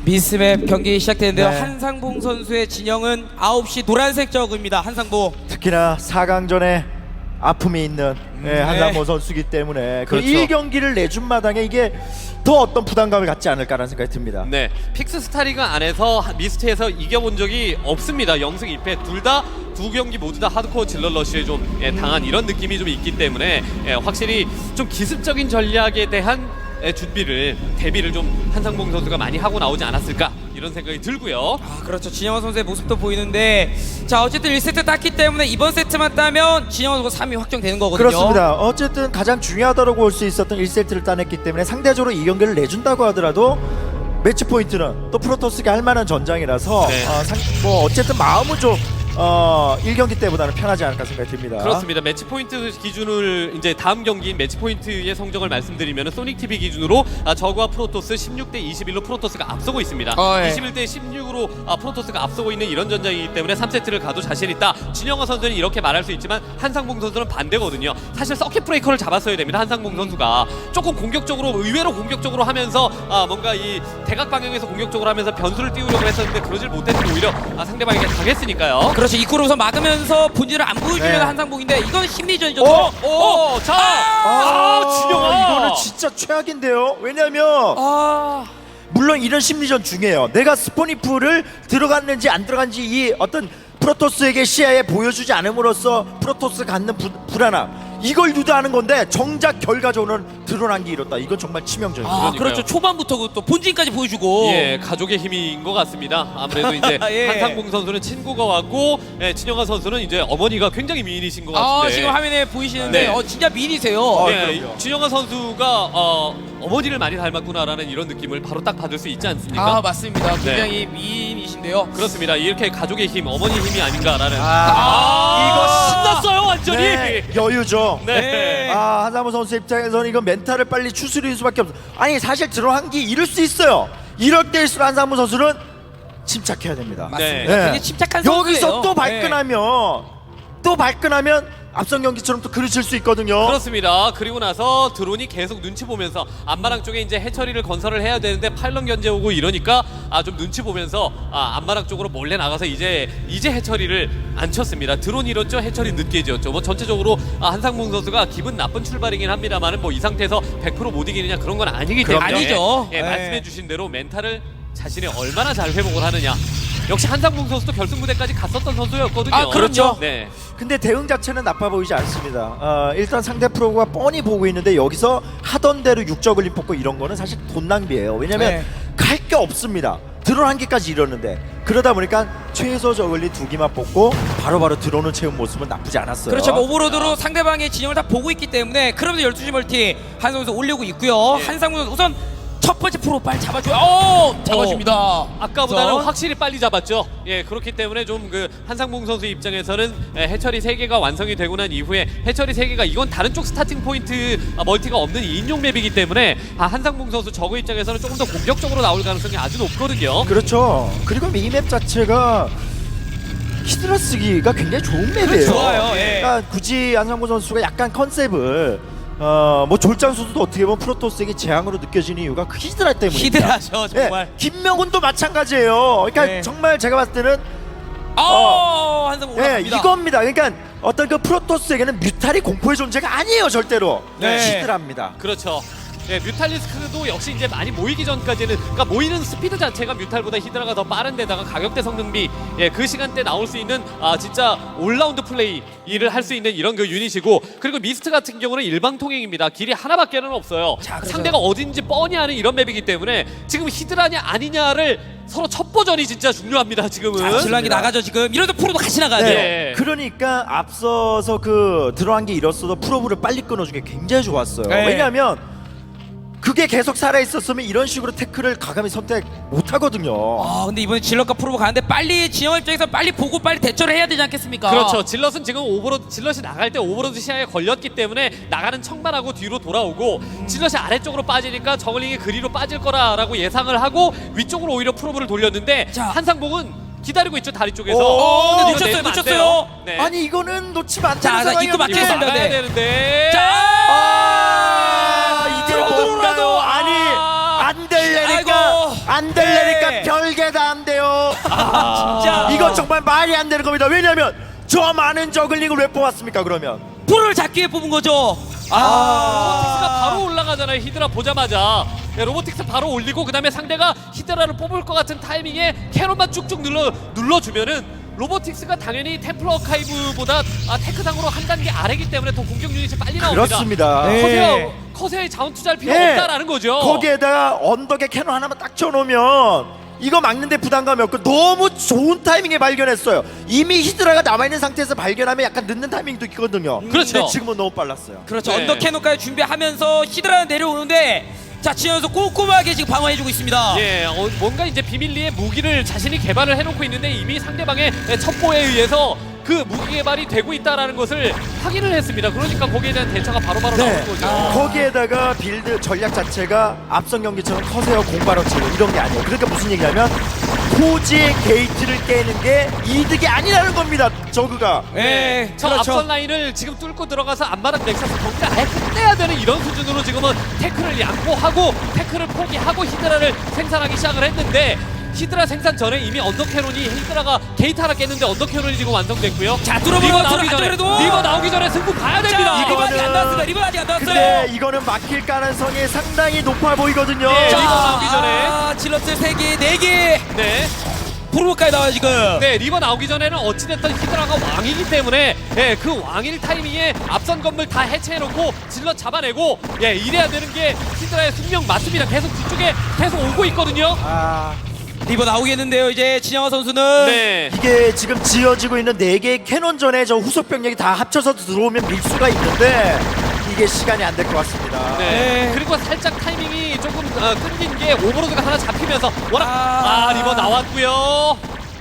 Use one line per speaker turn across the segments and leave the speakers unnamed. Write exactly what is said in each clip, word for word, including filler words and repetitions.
미스맵 경기 시작되는데요.
네.
한상봉 선수의 진영은 아홉 시 노란색 저그입니다. 한상봉.
특히나 사 강전에 아픔이 있는 네, 한상봉 선수기 때문에 그
그렇죠.
일 경기를 내준 마당에 이게 더 어떤 부담감을 갖지 않을까라는 생각이 듭니다.
네, 픽스 스타리가 안에서 미스트에서 이겨본 적이 없습니다. 영승 일 패 둘 다 두 경기 모두 다 하드코어 질러 러쉬에 좀 예, 당한 이런 느낌이 좀 있기 때문에 예, 확실히 좀 기습적인 전략에 대한 예, 준비를 대비를 좀 한상봉 선수가 많이 하고 나오지 않았을까 이런 생각이 들고요.
아 그렇죠. 진영호 선수의 모습도 보이는데 자 어쨌든 일 세트 땄기 때문에 이번 세트만 따면 진영호 선수가 삼 위 확정되는 거거든요.
그렇습니다. 어쨌든 가장 중요하다고 볼 수 있었던 일 세트를 따냈기 때문에 상대적으로 이 경기를 내준다고 하더라도 매치 포인트는 또 프로토스가 할 만한 전장이라서
네.
어, 상, 뭐 어쨌든 마음은 좀 어, 일 경기 때보다는 편하지 않을까 생각이 듭니다.
그렇습니다. 매치 포인트 기준을 이제 다음 경기인 매치 포인트의 성적을 말씀드리면 소닉 티비 기준으로 아, 저그와 프로토스 십육 대 이십일로 프로토스가 앞서고 있습니다.
어, 예.
이십일 대 십육으로 아, 프로토스가 앞서고 있는 이런 전장이기 때문에 삼 세트를 가도 자신 있다. 진영호 선수는 이렇게 말할 수 있지만 한상봉 선수는 반대거든요. 사실 서킷 브레이커를 잡았어야 됩니다. 한상봉 선수가 조금 공격적으로 의외로 공격적으로 하면서 아, 뭔가 이 대각 방향에서 공격적으로 하면서 변수를 띄우려고 했었는데 그러질 못했는데 오히려 아, 상대방에게 당했으니까요.
그렇죠. 입구로 우선 막으면서 본질을 안 보여주려는
네.
한상봉인데 이건 심리전이죠.
어?
오, 자,
아,
아, 진영아.
이거는 진짜 최악인데요. 왜냐하면
아
물론 이런 심리전 중요해요. 내가 스포니프를 들어갔는지 안 들어간지 이 어떤 프로토스에게 시야에 보여주지 않음으로써 프로토스가 갖는 부, 불안함 이걸 유도하는 건데 정작 결과적으로는 드러난 게 이렇다. 이건 정말 치명적이에요.
아,
그러니까요.
그렇죠. 초반부터 그 또 본진까지 보여주고.
예, 가족의 힘인 것 같습니다. 아무래도 이제
예.
한상봉 선수는 친구가 왔고, 예, 진영아 선수는 이제 어머니가 굉장히 미인이신 것
아
같은데.
지금 화면에 보이시는데
네.
어 진짜 미인이세요.
어,
예,
그럼요.
진영아 선수가 어, 어머니를 많이 닮았구나라는 이런 느낌을 바로 딱 받을 수 있지 않습니까?
아 맞습니다. 굉장히 미인이신데요.
그렇습니다. 이렇게 가족의 힘, 어머니 힘이 아닌가라는.
아,
이거 신났어요, 완전히.
네, 여유죠.
네.
네.
아, 한상무 선수 입장에서는 이건 멘탈을 빨리 추스릴 수밖에 없어. 아니 사실 들어간 게 이럴 수 있어요. 이럴 때일수록 한상무 선수는 침착해야 됩니다.
맞습니다.
네.
굉장히 침착한 선수예요.
여기서 또
네.
발끈하면 또 발끈하면 앞선 경기처럼 또 그르칠 수 있거든요.
그렇습니다. 그리고 나서 드론이 계속 눈치 보면서 안마랑 쪽에 이제 해처리를 건설을 해야 되는데 파일럿 견제 오고 이러니까 아 좀 눈치 보면서 아 안마랑 쪽으로 몰래 나가서 이제 이제 해처리를 안 쳤습니다. 드론 잃었죠, 해처리 늦게 지었죠. 뭐 전체적으로 아, 한상봉 선수가 기분 나쁜 출발이긴 합니다만은 뭐 이 상태에서 백 퍼센트 못 이기느냐 그런 건 아니기
그럼
때문에
아니죠.
예,
네.
말씀해주신 대로 멘탈을 자신이 얼마나 잘 회복을 하느냐. 역시 한상봉 선수도 결승 무대까지 갔었던 선수였거든요.
아, 그렇죠.
네.
근데 대응 자체는 나빠 보이지 않습니다. 어, 일단 상대 프로가 뻔히 보고 있는데 여기서 하던 대로 육저글림 뽑고 이런 거는 사실 돈 낭비예요. 왜냐면
네.
갈 게 없습니다. 드론 한 개까지 이뤘는데 그러다 보니까 최소 저글리 두 개만 뽑고 바로바로 들어오는 채운 모습은 나쁘지 않았어요.
그렇죠. 뭐 오버로드로 상대방의 진영을 다 보고 있기 때문에 그러면서 열두 시 멀티 한상무 선수 올리고 있고요.
예.
한상무 선수 우선 첫 번째 프로 빨리 잡아줘요. 오! 잡아줍니다.
아까보다는
우선.
확실히 빨리 잡았죠. 예, 그렇기 때문에 좀 그 한상봉 선수 입장에서는 예, 해처리 세 개가 완성이 되고 난 이후에 해처리 세 개가 이건 다른 쪽 스타팅 포인트 아, 멀티가 없는 이 인용 맵이기 때문에 아, 한상봉 선수 저거 입장에서는 조금 더 공격적으로 나올 가능성이 아주 높거든요.
그렇죠. 그리고 이 맵 자체가 히드라 쓰기가 굉장히 좋은 맵이에요.
그렇죠. 좋아요, 예.
그러니까 굳이 안상무 선수가 약간 컨셉을 어, 뭐 졸장수도 어떻게 보면 프로토스에게 재앙으로 느껴지는 이유가 그 히드라 때문입니다.
히드라죠, 정말.
예, 김명훈도 마찬가지예요. 그러니까
네.
정말 제가 봤을 때는
어, 한상무
예,
올라갑니다.
이겁니다. 그러니까 어떤 그 프로토스에게는 뮤탈이 공포의 존재가 아니에요, 절대로.
네.
히드라입니다.
그렇죠. 예, 뮤탈리스크도 역시 이제 많이 모이기 전까지는 그러니까 모이는 스피드 자체가 뮤탈보다 히드라가 더 빠른데다가 가격대 성능비 예, 그 시간대 나올 수 있는 아 진짜 올라운드 플레이 일을 할 수 있는 이런 그 유닛이고 그리고 미스트 같은 경우는 일방통행입니다. 길이 하나밖에는 없어요.
자, 그래서-
상대가 어딘지 뻔히 아는 이런 맵이기 때문에 지금 히드라냐 아니냐를 서로 첩보전이 진짜 중요합니다. 지금은.
질랑이 나가죠 지금. 이러다 프로도 같이 나가야
네.
돼요.
네.
그러니까 앞서서 그 들어간 게 이뤘어도 프로브를 빨리 끊어준 게 굉장히 좋았어요.
네.
왜냐하면 그게 계속 살아 있었으면 이런 식으로 태클을 과감히 선택 못 하거든요.
아 근데 이번에 질럿과 프로보 가는데 빨리 진영 입장에서 빨리 보고 빨리 대처를 해야 되지 않겠습니까?
그렇죠. 질럿은 지금 오버로드 질럿이 나갈 때 오버로드 시야에 걸렸기 때문에 나가는 청만하고 뒤로 돌아오고 질럿이 아래쪽으로 빠지니까 저글링이 그리로 빠질 거라라고 예상을 하고 위쪽으로 오히려 프로브를 돌렸는데
자.
한상봉은 기다리고 있죠 다리 쪽에서.
오,
근데
이거
놓쳤어요,
내리면 안
놓쳤어요.
돼요. 네.
아니 이거는 놓치면 안
자,
되는
자,
상황이에요.
입구 막히게
이거
했습니다.
막아야
네.
되는데.
자,
아, 이게
들어오더라도
뭔가요? 아니
아.
안 될래니까
아이고.
안 안 될래니까
네.
별게 다 안 돼요.
진짜
이거 정말 말이 안 되는 겁니다. 왜냐하면 저 많은 저글링을 왜 뽑았습니까? 그러면
불을 잡기 위해 뽑은 거죠.
로보틱스가
아,
바로 올라가잖아요. 히드라 보자마자 네, 로보틱스 바로 올리고 그 다음에 상대가 히드라를 뽑을 것 같은 타이밍에 캐논만 쭉쭉 눌러 눌러주면은 로보틱스가 당연히 템플러 아카이브보다 아, 테크상으로 한 단계 아래기 때문에 더 공격 유닛이 빨리 나옵니다.
그렇습니다.
네.
커세어 커세어에 자원 투자할 필요
네.
없다라는 거죠.
거기에다가 언덕에 캐논 하나만 딱 쳐놓으면 이거 막는데 부담감이 없고 너무 좋은 타이밍에 발견했어요. 이미 히드라가 남아있는 상태에서 발견하면 약간 늦는 타이밍도 있거든요.
그렇죠.
근데 지금은 너무 빨랐어요.
그렇죠.
네.
언더 캐논까지 준비하면서 히드라는 내려오는데 자 지면서 꼼꼼하게 지금 방어해주고 있습니다.
예, 어, 뭔가 이제 비밀리에 무기를 자신이 개발을 해놓고 있는데 이미 상대방의 첩보에 의해서 그 무기 개발이 되고 있다라는 것을 확인을 했습니다. 그러니까 거기에 대한 대처가 바로바로
네.
나오는 거죠.
거기에다가 빌드 전략 자체가 앞선 경기처럼 커세어 공발업체로 이런 게 아니에요. 그러니까 무슨 얘기냐면 포지의 게이트를 깨는 게 이득이 아니라는 겁니다. 저그가.
네,
저
그렇죠.
앞선 라인을 지금 뚫고 들어가서 앞마당 넥서스 경기를 아예 끝내야 되는 이런 수준으로 지금은 태클을 양보하고 태클을 포기하고 히드라를 생산하기 시작을 했는데 히드라 생산 전에 이미 언더캐논이 히드라가 게이트 하나 깼는데 언더캐논이 지금 완성됐고요.
자, 뚫어보는
리버
것처럼
나오기 전에
안쪽으로도.
리버 나오기 전에 승부 봐야 됩니다.
자, 리버 아직
이거는-
안 나왔습니다. 리버 아직 안 나왔어요.
근데 이거는 막힐 가능성이 상당히 높아 보이거든요.
네,
자,
리버 나오기 전에.
아, 질럿들 세 개, 네 개.
네.
프로까지 나와요 지금.
네, 리버 나오기 전에는 어찌됐든 히드라가 왕이기 때문에 예, 그 왕일 타이밍에 앞선 건물 다 해체해놓고 질러 잡아내고 예, 이래야 되는 게 히드라의 숙명 맞습니다. 계속 뒤쪽에 계속 오고 있거든요.
아,
리버 나오겠는데요 이제 진영아 선수는.
네.
이게 지금 지어지고 있는 네 개의 캐논전에 저 후속 병력이 다 합쳐서 들어오면 밀 수가 있는데 이게 시간이 안 될 것 같습니다.
네.
네.
그리고 살짝 타이밍이 조금 어, 끊긴 게 오버로드가 하나 잡히면서 워낙
아.
아, 리버 나왔고요.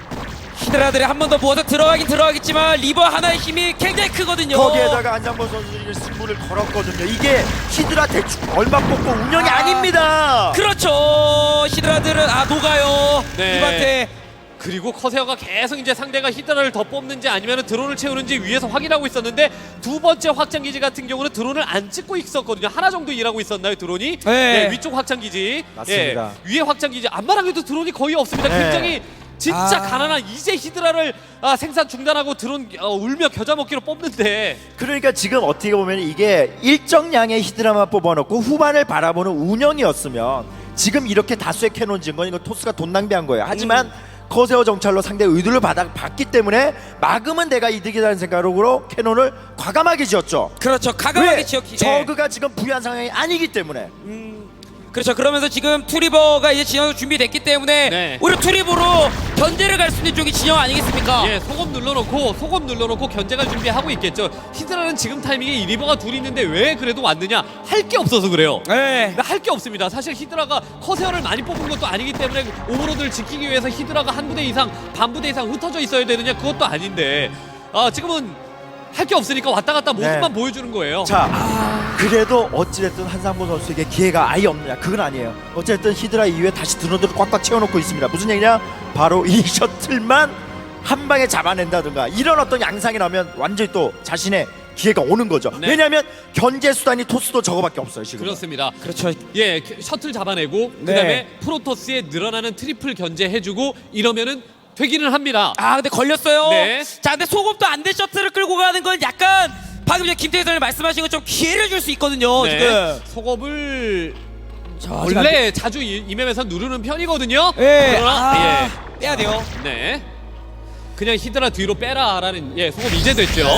히드라들이 한 번 더 모아서 들어가긴 들어가겠지만 리버 하나의 힘이 굉장히 크거든요.
거기에다가 안장범 선수들이 승부를 걸었거든요. 이게 히드라 대충 얼마 뽑고 운영이
아.
아. 닙니다.
그렇죠. 히드라들은 아 녹아요.
네.
이한테
그리고 커세어가 계속 이제 상대가 히드라를 더 뽑는지 아니면 드론을 채우는지 위에서 확인하고 있었는데 두 번째 확장기지 같은 경우는 드론을 안 찍고 있었거든요. 하나 정도 일하고 있었나요, 드론이?
네.
위쪽 확장기지.
맞습니다.
예, 위에 확장기지. 앞마당에도 드론이 거의 없습니다.
네.
굉장히 진짜
아.
가난한 이제 히드라를 아, 생산 중단하고 드론 어, 울며 겨자 먹기로 뽑는데
그러니까 지금 어떻게 보면 이게 일정량의 히드라만 뽑아놓고 후반을 바라보는 운영이었으면 지금 이렇게 다수의 캐논 지은 건 이거 토스가 돈 낭비한 거예요. 하지만
음.
커세어 정찰로 상대 의도를 받아, 받기 때문에 막으면 내가 이득이라는 생각으로 캐논을 과감하게 지었죠.
그렇죠. 가감하게
왜?
지었기.
저그가 지금 부유한 상황이 아니기 때문에.
그렇죠. 그러면서 지금 투리버가 이제 진영 준비됐기 때문에
네.
오히려 투리버로 견제를 갈 수 있는 쪽이 진영 아니겠습니까?
예, 소금 눌러놓고 소금 눌러놓고 견제가 준비하고 있겠죠. 히드라는 지금 타이밍에 이 리버가 둘이 있는데 왜 그래도 왔느냐? 할 게 없어서 그래요.
네.
할 게 없습니다. 사실 히드라가 커세어를 많이 뽑은 것도 아니기 때문에 오버로드를 지키기 위해서 히드라가 한 부대 이상, 반 부대 이상 흩어져 있어야 되느냐? 그것도 아닌데 아, 지금은 할 게 없으니까 왔다 갔다 모습만
네.
보여주는 거예요.
자, 그래도 어찌됐든 한상보 선수에게 기회가 아예 없느냐? 그건 아니에요. 어쨌든 히드라 이후에 다시 드론들을 꽉꽉 채워놓고 있습니다. 무슨 얘기냐? 바로 이 셔틀만 한 방에 잡아낸다든가 이런 어떤 양상이 나면 완전히 또 자신의 기회가 오는 거죠.
네.
왜냐하면 견제 수단이 토스도 저거밖에 없어요 지금.
그렇습니다.
그렇죠.
예, 셔틀 잡아내고
네.
그다음에 프로토스의 늘어나는 트리플 견제해주고 이러면은 되기는 합니다.
아 근데 걸렸어요.
네.
자 근데 소급도 안 돼 셔틀을 끌고 가는 건 약간 방금 전에 김태희 선생님 말씀하신 것처럼 기회를 줄 수 있거든요.
네.
지금.
속업을
자, 아직 안
원래 자주 이, 이 맵에서 누르는 편이거든요.
예.
그러나
아, 빼야 돼요.
예, 네. 그냥 히드라 뒤로 빼라라는 예 속업 이제 됐죠.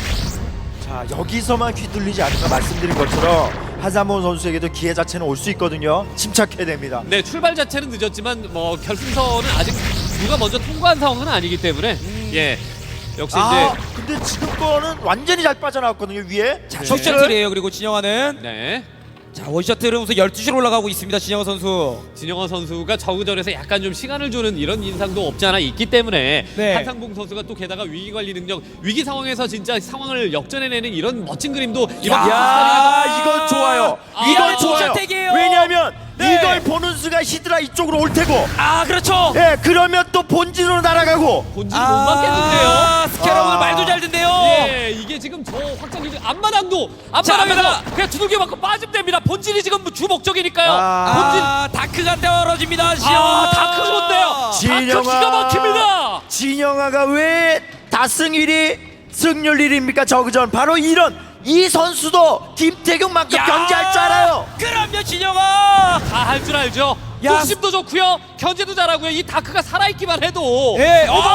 자, 여기서만 휘둘리지 않을까 말씀드린 것처럼 한상보 선수에게도 기회 자체는 올 수 있거든요. 침착해야 됩니다.
네, 출발 자체는 늦었지만 뭐 결승선은 아직 누가 먼저 통과한 상황은 아니기 때문에 예 역시
아,
이제
근데 지금 거는 완전히 잘 빠져나왔거든요 위에.
자,
네.
첫 셔틀이에요. 그리고 진영아는
네.
자 원셔틀은 우선 열두 시로 올라가고 있습니다. 진영아 선수.
진영원 선수가 저그전에서 약간 좀 시간을 주는 이런 인상도 없지 않아 있기 때문에
네.
한상봉 선수가 또 게다가 위기 관리 능력, 위기 상황에서 진짜 상황을 역전해내는 이런 멋진 그림도 이번
야,
스타일에서
이건 좋아요.
아,
이건
아,
좋아요.
정찰택이에요.
왜냐하면
네.
이걸 보는 순간 히드라 이쪽으로 올 테고
아 그렇죠.
예 그러면 또 본진으로 날아가고
본진 못 맞겠는데요.
스캐러 오늘
아.
말도 잘 듣네요.
예, 이게 지금 저 확장기 중 앞마당도
자,
앞마당에서
앞마당.
그냥 두들겨 맞고 빠지면 됩니다. 본진이 지금 주 목적이니까요.
아.
본진
아 다크가 떨어집니다.
아, 다크 좋네요. 다크
진영아.
기가 막힙니다.
진영아가 왜 다승 일 위 승률 일 위입니까 저그전 바로 이런 이 선수도 김태경만큼 견제할 줄 알아요.
그럼요 진영아.
다 할 줄 알죠.
야.
뚝심도 좋고요. 견제도 잘하고요. 이 다크가 살아있기만 해도
예.
와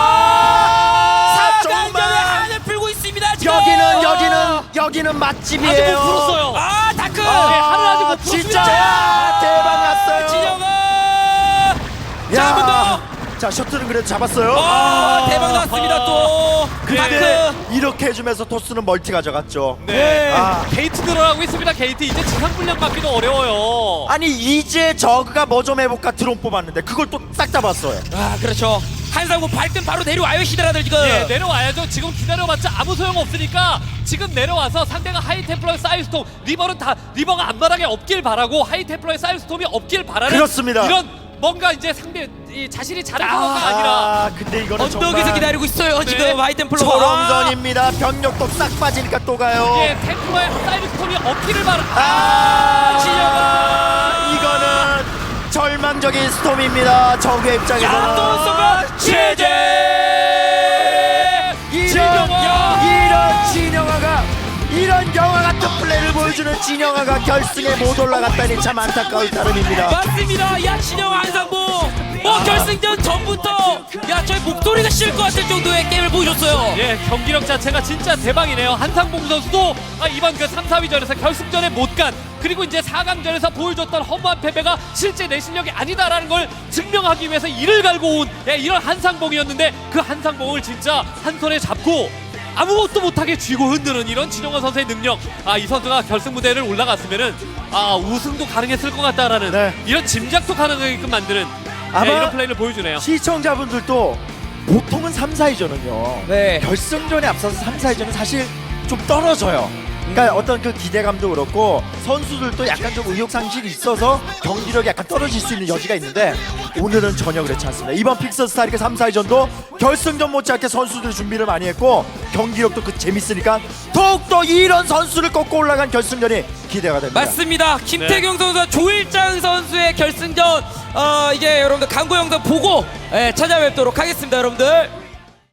사강전에
정말
한을 풀고 있습니다. 지금.
여기는 여기는 여기는
아직
맛집이에요.
못 풀었어요.
아 다크.
네, 하늘 아직 못
진짜
풀었습니다.
대박 났어요.
진영아.
야.
자, 한 번 더.
자 셔틀은 그래도 잡았어요.
아, 대박 났습니다 또.
근데
다크.
이렇게 해주면서 토스는 멀티 가져갔죠.
네.
아.
게이트 늘어나고 있습니다. 게이트 이제 지상 분량 받기도 어려워요.
아니 이제 저그가 뭐 좀 해볼까 드론 뽑았는데 그걸 또 딱 잡았어요.
아 그렇죠. 한상구 발등 바로 내려와요 히드라들 지금.
예, 내려와야죠. 지금 기다려봤자 아무 소용 없으니까 지금 내려와서 상대가 하이템플러의 사이스톰 리버는 다 리버가 앞마당에 없길 바라고 하이템플러의 사이스톰이 없길 바라는
그렇습니다.
이런 뭔가 이제 상대 이 자신이 잘해서가
아,
아니라
아 근데 이거는
언덕에서
정말
기다리고 있어요
네.
지금 하이템플러.
초롱전입니다. 병력도 싹 빠지니까 또 가요.
예, 템플러의 사이스톰이 없기를 바라.
아,
진영아.
이거는 절망적인 스톰입니다. 적의 입장에서는
야또 쏘가 제재.
이런
진영아.
이런 진영아가 이런 영화 같은 플레이를 보여주는 진영아가 결승에 못 올라갔다니 참 안타까울 따름입니다.
맞습니다. 야 진영아 한상봉. 뭐 결승전 전부터 야 저희 목소리가 쉴 것 같을 정도의 게임을 보여줬어요.
예, 경기력 자체가 진짜 대박이네요. 한상봉 선수도 아, 이번 그 삼, 사위전에서 결승전에 못 간 그리고 이제 사 강전에서 보여줬던 허무한 패배가 실제 내 실력이 아니다라는 걸 증명하기 위해서 이를 갈고 온 예, 이런 한상봉이었는데 그 한상봉을 진짜 한 손에 잡고 아무것도 못하게 쥐고 흔드는 이런 진영원 선수의 능력. 아, 이 선수가 결승 무대를 올라갔으면은 아, 우승도 가능했을 것 같다라는
네.
이런 짐작도 가능하게끔 만드는
아마
예, 이런 플레이를 보여주네요.
시청자분들도 보통은 삼, 사위전은요.
네.
결승전에 앞서서 삼, 사위전은 사실 좀 떨어져요. 그러니까 어떤 그 기대감도 그렇고 선수들도 약간 좀 의욕상실이 있어서 경기력이 약간 떨어질 수 있는 여지가 있는데 오늘은 전혀 그렇지 않습니다. 이번 픽서 스타리그 삼, 사위전도 결승전 못지않게 선수들이 준비를 많이 했고 경기력도 그 재밌으니까 더욱더 이런 선수를 꺾고 올라간 결승전이 기대가 됩니다.
맞습니다. 김태경 선수와 조일장 선수의 결승전 어 이제 여러분들 광고 영상 보고 예, 찾아뵙도록 하겠습니다 여러분들.